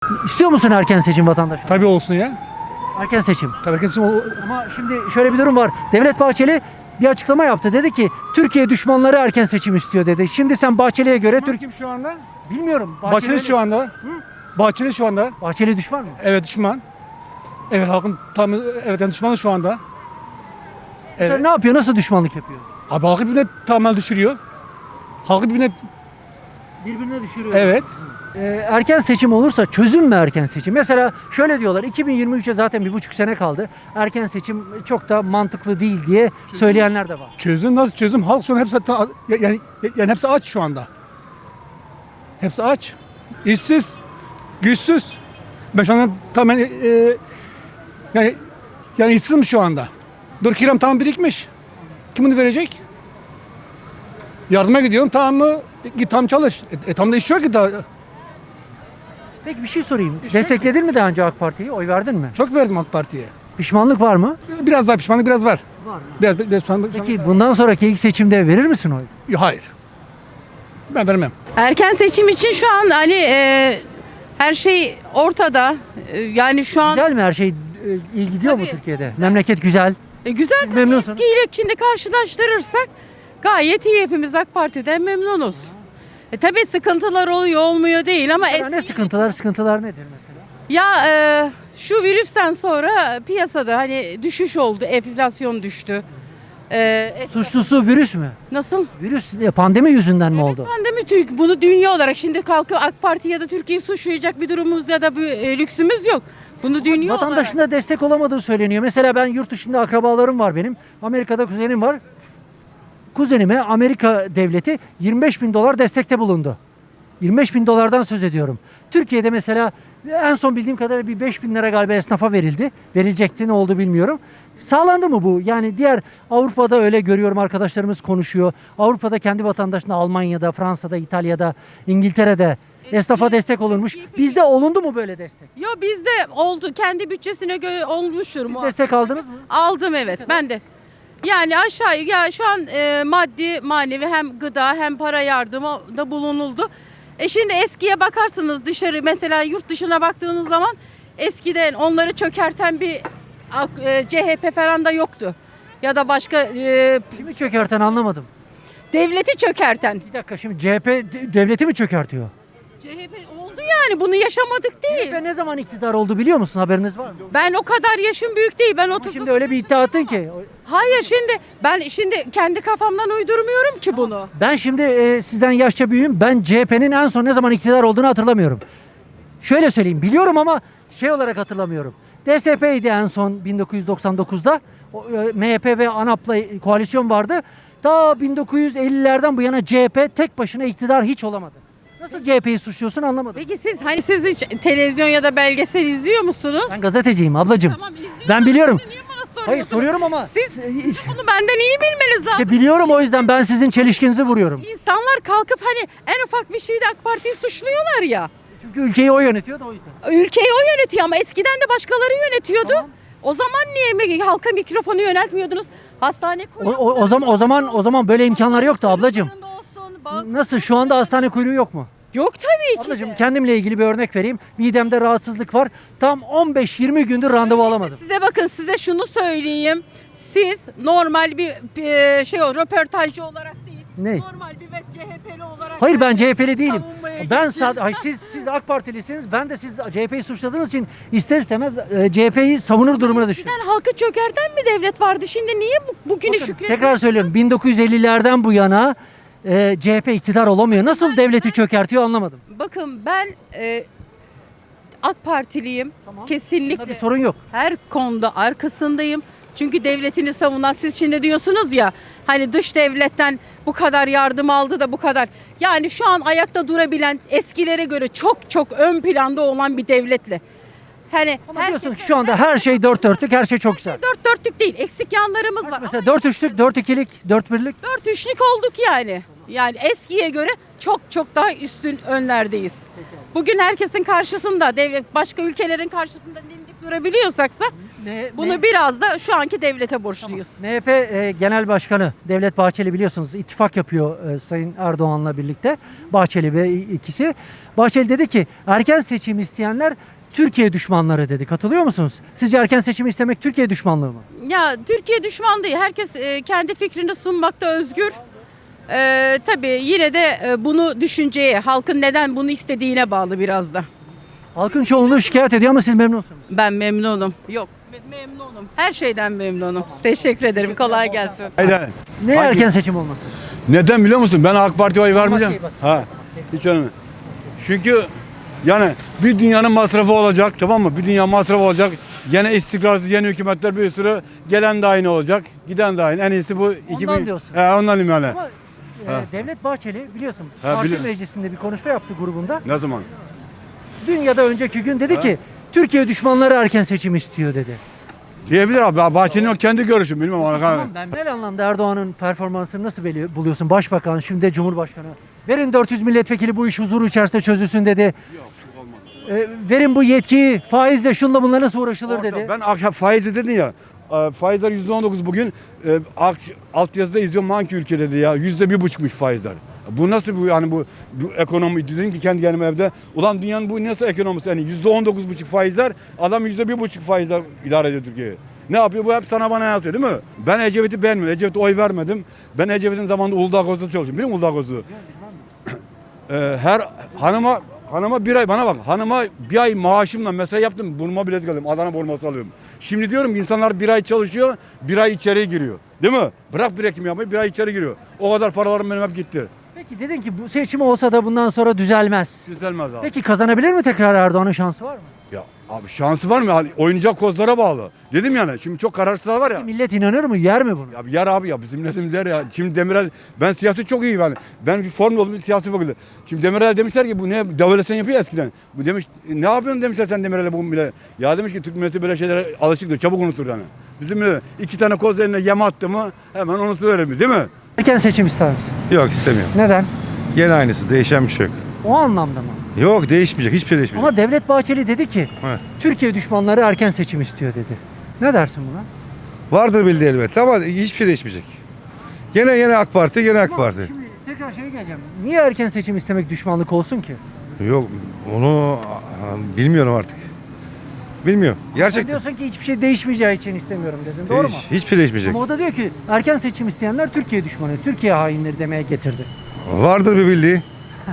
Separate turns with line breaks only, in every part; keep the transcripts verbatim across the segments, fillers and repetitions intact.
İstiyor musun erken seçim vatandaş?
Tabii olsun ya.
Erken seçim.
Tabii erken seçim ol-
Ama şimdi şöyle bir durum var. Devlet Bahçeli bir açıklama yaptı. Dedi ki Türkiye düşmanları erken seçim istiyor dedi. Şimdi sen Bahçeli'ye göre
Düşman
Türk
kim şu anda?
bilmiyorum.
Bahçeli şu anda. Bahçeli şu anda.
Bahçeli düşman mı?
Evet düşman. Evet halkın tam evet yani düşmanı şu anda.
Sen
Evet.
ne yapıyor? Nasıl düşmanlık yapıyor?
Abi halkı birbirine tamamen düşürüyor. Halkı birbirine
Birbirine düşürüyor.
evet.
Ee, erken seçim olursa çözüm mü erken seçim? Mesela şöyle diyorlar iki bin yirmi üçe zaten bir buçuk sene kaldı. Erken seçim çok da mantıklı değil diye söyleyenler de var.
Çözüm nasıl çözüm? Halk şu an hepsi ta- yani yani hepsi aç şu anda. Hepsi aç. İşsiz, güçsüz. Ben şu anda tamamen e, e, yani yani işsizim şu anda. Dur kiram tam birikmiş. Kim bunu verecek? Yardıma gidiyorum tamam mı? Git tam çalış. E, e tam da iş yok ki daha.
Peki bir şey sorayım.
İşte-
Destekledin mi daha önce AK Parti'yi? Oy verdin mi?
Çok verdim AK Parti'ye.
Pişmanlık var mı?
Biraz daha pişmanlık biraz var.
Var.
Biraz, biraz pişmanlık.
Peki bundan sonraki ilk seçimde verir misin oy?
Hayır. Ben vermem.
Erken seçim için şu an hani e, her şey ortada. E, yani şu an
Güzel mi her şey? e, iyi gidiyor mu
Tabii,
Türkiye'de? Memleket güzel.
e, güzel
Siz
tabii
memnunsunuz.
eskiyle şimdi karşılaştırırsak gayet iyi, hepimiz AK Parti'den memnunuz. E, tabii sıkıntılar oluyor olmuyor değil ama
Mesela ne
eski-
sıkıntılar? Sıkıntılar nedir mesela?
ya e, şu virüsten sonra piyasada hani düşüş oldu, enflasyon düştü. E, es-
Suçlusu virüs mü?
nasıl?
Virüs e, pandemi yüzünden mi oldu?
Pandemi Türk bunu dünya olarak şimdi kalkıp AK Parti ya da Türkiye'yi suçlayacak bir durumumuz ya da bir e, lüksümüz yok. Bunu dünya
Vatandaşın
olarak.
da destek olamadığı söyleniyor. Mesela ben yurt dışında akrabalarım var benim. Amerika'da kuzenim var. Kuzenime Amerika devleti yirmi beş bin dolar destekte bulundu. yirmi beş bin dolardan söz ediyorum. Türkiye'de mesela en son bildiğim kadarıyla bir beş bin lira galiba esnafa verildi. Verilecekti, ne oldu bilmiyorum. Sağlandı mı bu? Yani diğer Avrupa'da öyle görüyorum, arkadaşlarımız konuşuyor. Avrupa'da kendi vatandaşına Almanya'da, Fransa'da, İtalya'da, İngiltere'de esnafa destek olunmuş. Bizde olundu mu böyle destek?
Yo bizde oldu, kendi bütçesine göre olmuştur
Siz
mu?
destek aldınız mı?
Aldım evet ben de. Yani aşağı ya şu an e, maddi manevi hem gıda hem para yardımı da bulunuldu. E şimdi eskiye bakarsınız, dışarı mesela yurt dışına baktığınız zaman eskiden onları çökerten bir ak- e, C H P falan da yoktu. Ya da başka e,
Kimi çökerten anlamadım.
devleti çökerten.
Bir dakika, şimdi C H P de- devleti mi çökertiyor?
C H P oldu yani, bunu yaşamadık değil.
C H P ne zaman iktidar oldu biliyor musun? Haberiniz var mı?
Ben o kadar yaşım büyük değil. Ben
Ama
otuz.
şimdi öyle bir iddia attın ki.
Hayır şimdi ben şimdi kendi kafamdan uydurmuyorum ki bunu.
Ben şimdi e, sizden yaşça büyüğüm. Ben C H P'nin en son ne zaman iktidar olduğunu hatırlamıyorum. Şöyle söyleyeyim, biliyorum ama şey olarak hatırlamıyorum. D S P'ydi en son bin dokuz yüz doksan dokuzda. O, e, M H P ve ANAP'la koalisyon vardı. Daha bin dokuz yüz ellilerden bu yana C H P tek başına iktidar hiç olamadı. Nasıl C H P'yi suçluyorsun anlamadım.
Peki siz hani siz hiç televizyon ya da belgesel izliyor musunuz?
Ben gazeteciyim ablacığım.
Tamam, izliyorsunuz.
Ben biliyorum.
Siz niye bana
Hayır
soruyorsunuz?
soruyorum ama
Siz bunu benden iyi bilmeniz lazım.
işte biliyorum, o yüzden ben sizin çelişkinizi vuruyorum.
İnsanlar kalkıp hani en ufak bir şeyde AK Parti'yi suçluyorlar ya.
Çünkü ülkeyi o yönetiyor da o yüzden.
Ülkeyi o yönetiyor ama eskiden de başkaları yönetiyordu.
Tamam.
O zaman niye mi- halka mikrofonu yöneltmiyordunuz? Hastane
O, o, o zaman o zaman o zaman böyle imkanlar yoktu ablacığım. Nasıl, şu anda hastane kuyruğu yok mu?
Yok tabii ki.
Ablacığım
de.
kendimle ilgili bir örnek vereyim. Midemde rahatsızlık var. Tam on beş yirmi gündür randevu alamadım.
Size bakın, size şunu söyleyeyim. Siz normal bir, bir şey o röportajcı olarak değil.
Ne?
Normal bir ve C H P'li olarak.
Hayır, ben C H P'li değilim.
savunmaya
Ben
geçin.
sadece hayır, siz siz AK Partilisiniz. Ben de siz C H P'yi suçladığınız için ister istemez e, C H P'yi savunur durumuna düştüm.
Eskiden halkı çökerten bir devlet vardı. Şimdi niye bu, bugüne
Bakın,
şükrediyorsunuz?
tekrar söylüyorum, bin dokuz yüz ellilerden bu yana e, C H P iktidar olamıyor. Nasıl devleti çökertiyor anlamadım.
Bakın ben e, AK Partiliyim.
Tamam.
Kesinlikle.
Bunda bir sorun yok.
Her konuda arkasındayım. Çünkü devletini savunan, siz şimdi diyorsunuz ya hani dış devletten bu kadar yardım aldı da bu kadar. Yani şu an ayakta durabilen, eskilere göre çok çok ön planda olan bir devletle. Hani
Ama
herkes-
diyorsun ki şu anda her şey dört dörtlük, her şey çok güzel.
dört dörtlük değil, eksik yanlarımız var.
Mesela dört üçlük, dört ikilik, dört birlik.
Dört üçlük olduk yani. Yani eskiye göre çok çok daha üstün önlerdeyiz. Bugün herkesin karşısında, devlet başka ülkelerin karşısında dimdik durabiliyorsaksa
Ne-
bunu
ne-
biraz da şu anki devlete borçluyuz.
M H P e, Genel Başkanı Devlet Bahçeli biliyorsunuz ittifak yapıyor e, Sayın Erdoğan'la birlikte. Bahçeli ve i- ikisi. Bahçeli dedi ki erken seçim isteyenler Türkiye düşmanları dedi. Katılıyor musunuz? Sizce erken seçim istemek Türkiye düşmanlığı mı?
Ya Türkiye düşman değil. Herkes e, kendi fikrini sunmakta özgür. E, tabii yine de e, bunu düşünceye, halkın neden bunu istediğine bağlı biraz da.
Halkın çoğunluğu şikayet ediyor ama siz memnunsunuz.
Ben memnunum. Yok, me- memnunum. Her şeyden memnunum. Teşekkür ederim. Kolay gelsin.
Hayır.
Ne
Hangi-
erken seçim olması?
Neden biliyor musun? Ben AK Parti'ye oy vermeyeceğim.
Maskeyi bas.
Ha. Hiç önemli. Çünkü yani bir dünyanın masrafı olacak, tamam mı? Bir dünya masrafı olacak. Gene istikrarsız yeni hükümetler bir sürü, gelen de aynı olacak, giden de aynı. En iyisi bu iki bin.
diyorsun.
He, ondan diyeyim yani.
Ama e,
Ha.
Devlet Bahçeli biliyorsun
Ha,
parti
biliyorum.
meclisinde bir konuşma yaptı grubunda.
Ne zaman?
Dün ya da önceki gün dedi
Ha.
ki Türkiye düşmanları erken seçim istiyor dedi.
Diyebilir abi. Bahçenin o kendi görüşü. Bilmem. ona-
Tamam, ben genel anlamda Erdoğan'ın performansını nasıl beli- buluyorsun? Başbakan, şimdi de Cumhurbaşkanı. Verin dört yüz milletvekili bu iş huzur içerisinde çözülsün dedi. E, verin bu yetkiyi faizle şunla bunla nasıl uğraşılır
Orada
dedi.
Ben akşam faizi dedin ya. e, Faizler yüzde on dokuz bugün. E, ak- alt yazıda izliyorum hangi ülke dedi ya. Yüzde bir buçukmuş faizler. Bu nasıl bu yani bu, bu ekonomi dedim ki kendi kendime evde. Ulan dünyanın bu nasıl ekonomisi yani yüzde on dokuz buçuk faizler adam yüzde bir buçuk faizler idare ediyor Türkiye'yi. Ne yapıyor bu hep sana bana yansıyor değil mi? Ben Ecevit'i beğenmiyorum. Ecevit'e oy vermedim. Ben Ecevit'in zamanında Uludağ Kozlu'da çalışıyorum. Biliyor musun Uludağ Kozlu'yu? Ee, her hanıma hanıma bir ay bana bak hanıma bir ay maaşımla mesai yaptım burma bilet alıyorum Adana burması alıyorum. Şimdi diyorum ki insanlar bir ay çalışıyor bir ay içeriye giriyor değil mi? Bırak birikim yapmayı bir ay içeri giriyor. O kadar paralarım benim hep gitti.
Peki dedin ki bu seçim olsa da bundan sonra düzelmez.
Düzelmez abi.
Peki kazanabilir mi tekrar Erdoğan'ın şansı var mı?
Ya abi şansı var mı? Hani oynayacak kozlara bağlı. Dedim yani şimdi çok kararsızlar var ya.
Millet inanır mı? Yer mi bunu?
Ya yer abi ya bizim milletimiz yer ya. Şimdi Demirel ben siyasi çok iyi yani. Ben bir formül oldum bir siyasi fakülte. Şimdi Demirel demişler ki bu ne devletsen yapıyor eskiden. Bu demiş ne yapıyorsun demişler sen Demirel'e bu bile. Ya demiş ki Türk milleti böyle şeylere alışıktır çabuk unutur yani. Bizim millet iki tane koz eline yem attı mı hemen unutuverir değil mi?
Erken seçim ister misin?
Yok istemiyorum.
Neden?
Gene aynısı. Değişen bir şey yok.
O anlamda mı?
Yok değişmeyecek. Hiçbir şey değişmeyecek.
Ama Devlet Bahçeli dedi ki
Evet.
Türkiye düşmanları erken seçim istiyor dedi. Ne dersin buna?
Vardır bildiği elbette ama hiçbir şey değişmeyecek. Gene gene AK Parti, gene AK
Ama
Parti.
Şimdi tekrar şeye geleceğim. Niye erken seçim istemek düşmanlık olsun ki?
Yok onu aa, bilmiyorum artık. Bilmiyorum.
Sen
Gerçekten.
diyorsun ki hiçbir şey değişmeyeceği için istemiyorum dedin. Doğru mu?
Değiş- hiçbir şey değişmeyecek.
Ama o da diyor ki erken seçim isteyenler Türkiye düşmanı, Türkiye hainleri demeye getirdi.
Vardır bir bildiği.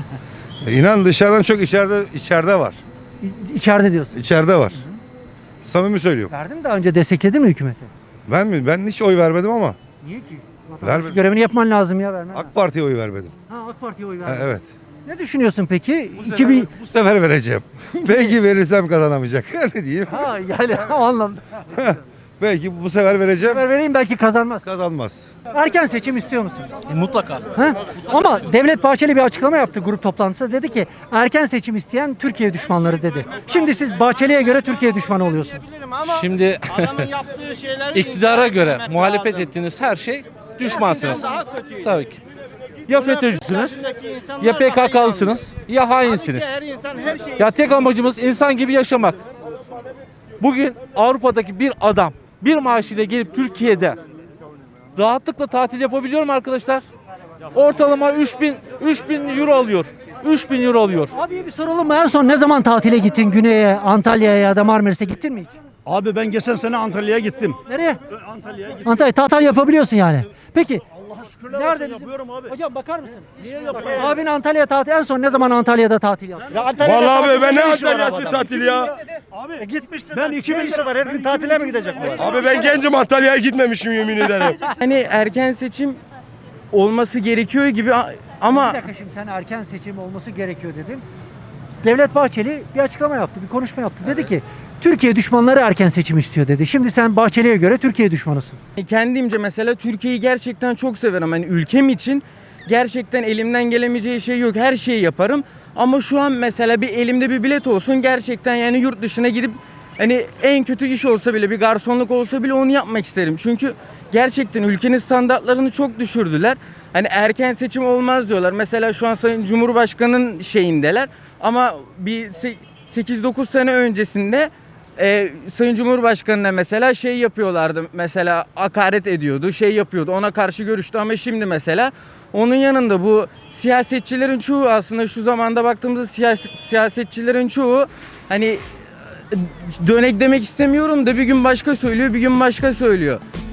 E, İnan dışarıdan çok içeride içeride var.
İ- İçeride diyorsun.
İçeride var. Samimi söylüyorum.
Verdin daha önce destekledin mi hükümeti?
Ben mi? Ben hiç oy vermedim ama
Niye ki?
Vermedim.
Vatandaş görevini yapman lazım ya vermen.
AK Parti'ye oy vermedim.
Ha, AK Parti'ye oy
Ha,
verdin.
evet.
Ne düşünüyorsun peki?
Bu
iki
sefer,
bin...
bu sefer vereceğim. Belki verirsem kazanamayacak. Ne diyeyim?
Ha yani o anlamda.
Belki bu sefer vereceğim.
Haber vereyim belki kazanmaz.
Kazanmaz.
Erken seçim istiyor musunuz?
Mutlaka.
Ha? Ama Devlet Bahçeli bir açıklama yaptı grup toplantısında. Dedi ki erken seçim isteyen Türkiye düşmanları dedi. Şimdi siz Bahçeli'ye göre Türkiye düşmanı oluyorsunuz.
Şimdi
Adamın yaptığı şeyleri
iktidara göre
incelemek
muhalefet
lazım.
ettiğiniz her şey düşmansınız.
Daha kötüydü.
Tabii ki. Ya FETÖ'cüsünüz,
Yaşındaki insanlar
ya
daha
P K
iyi
K'lısınız, ya hainsiniz.
anlıyor. Her insan her şeyi
Ya tek amacımız insan gibi yaşamak. Bugün Avrupa'daki bir adam bir maaşıyla gelip Türkiye'de rahatlıkla tatil yapabiliyor mu arkadaşlar? Ortalama üç bin üç bin euro alıyor. üç bin euro alıyor.
Abi bir soralım mı? En son ne zaman tatile gittin? Güney'e, Antalya'ya ya da Marmaris'e gittin mi hiç?
Abi ben geçen sene Antalya'ya gittim.
Nereye?
Antalya'ya gittim.
Antalya tatil yapabiliyorsun yani. Peki
Şükürler
nerede
olsun
bizim?
yapıyorum abi.
Hocam bakar mısın?
Niye
Bak,
yapıyorum?
abin Antalya tatil en son ne zaman Antalya'da tatil yaptı?
Vallahi abi ben ne Antalya'sı tatil ya.
Abi gitmiştim. Ben iki bin lira var her gün tatile mi gidecek?
Abi ben gencim Antalya'ya gitmemişim yemin ederim.
Hani erken seçim olması gerekiyor gibi a-
Bir
ama
dakika şimdi sen erken seçim olması gerekiyor dedim. Devlet Bahçeli bir açıklama yaptı, bir konuşma yaptı. Dedi ki Türkiye düşmanları erken seçim istiyor dedi. Şimdi sen Bahçeli'ye göre Türkiye düşmanısın.
kendimce mesela Türkiye'yi gerçekten çok severim. Hani ülkem için gerçekten elimden gelemeyeceği şey yok. Her şeyi yaparım. Ama şu an mesela bir elimde bir bilet olsun gerçekten yani yurt dışına gidip Hani en kötü iş olsa bile, bir garsonluk olsa bile onu yapmak isterim. Çünkü gerçekten ülkenin standartlarını çok düşürdüler. Hani erken seçim olmaz diyorlar. Mesela şu an Sayın Cumhurbaşkanı'nın şeyindeler. Ama bir sekiz dokuz sene öncesinde e, Sayın Cumhurbaşkanı'na mesela şey yapıyorlardı. Mesela hakaret ediyordu, şey yapıyordu. Ona karşı görüştü ama şimdi mesela onun yanında bu siyasetçilerin çoğu, aslında şu zamanda baktığımızda siyas- siyasetçilerin çoğu hani dönek demek istemiyorum da bir gün başka söylüyor, bir gün başka söylüyor.